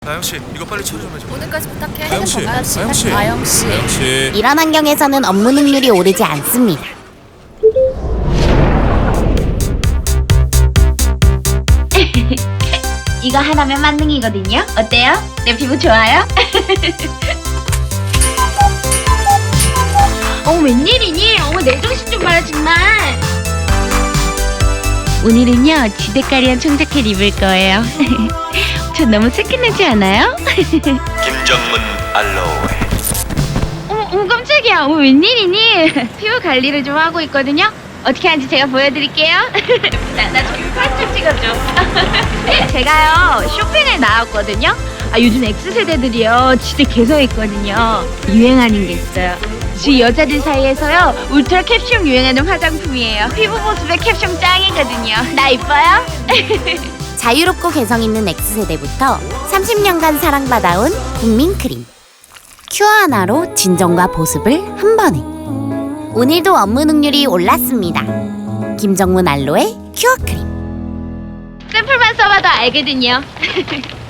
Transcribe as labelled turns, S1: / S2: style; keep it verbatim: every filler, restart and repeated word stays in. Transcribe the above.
S1: 나영씨 이거 빨리 처리 좀 해줘.
S2: 오늘까지 부탁해.
S1: 나영씨, 나영씨,
S2: 나영씨.
S1: 나영씨.
S3: 이런 환경에서는 업무 능률이 오르지 않습니다.
S4: 이거 하나면 만능이거든요. 어때요? 내 피부 좋아요? 어 웬일이니? 어머 내 정신 좀 봐라 정말. 오늘은요 지대까리한 청자켓 입을 거예요. 저 너무 새끼나지 않아요?
S5: 김정문 알로에.
S4: 어머, 어머 깜짝이야. 어머 웬일이니? 피부 관리를 좀 하고 있거든요. 어떻게 하는지 제가 보여드릴게요. 나, 나 저기 사진 찍어줘. 제가요 쇼핑에 나왔거든요. 아 요즘 X세대들이요 지대 개성 있거든요. 유행하는 게 있어요. 지금 여자들 사이에서요 울트라 캡숑 유행하는 화장품이에요. 피부 보습에 캡숑 짱이거든요. 나 이뻐요?
S3: 자유롭고 개성 있는 X세대부터 삼십 년간 사랑받아온 국민크림. 큐어 하나로 진정과 보습을 한 번에. 오늘도 업무 능률이 올랐습니다. 김정문 알로에 큐어 크림.
S4: 샘플만 써봐도 알거든요.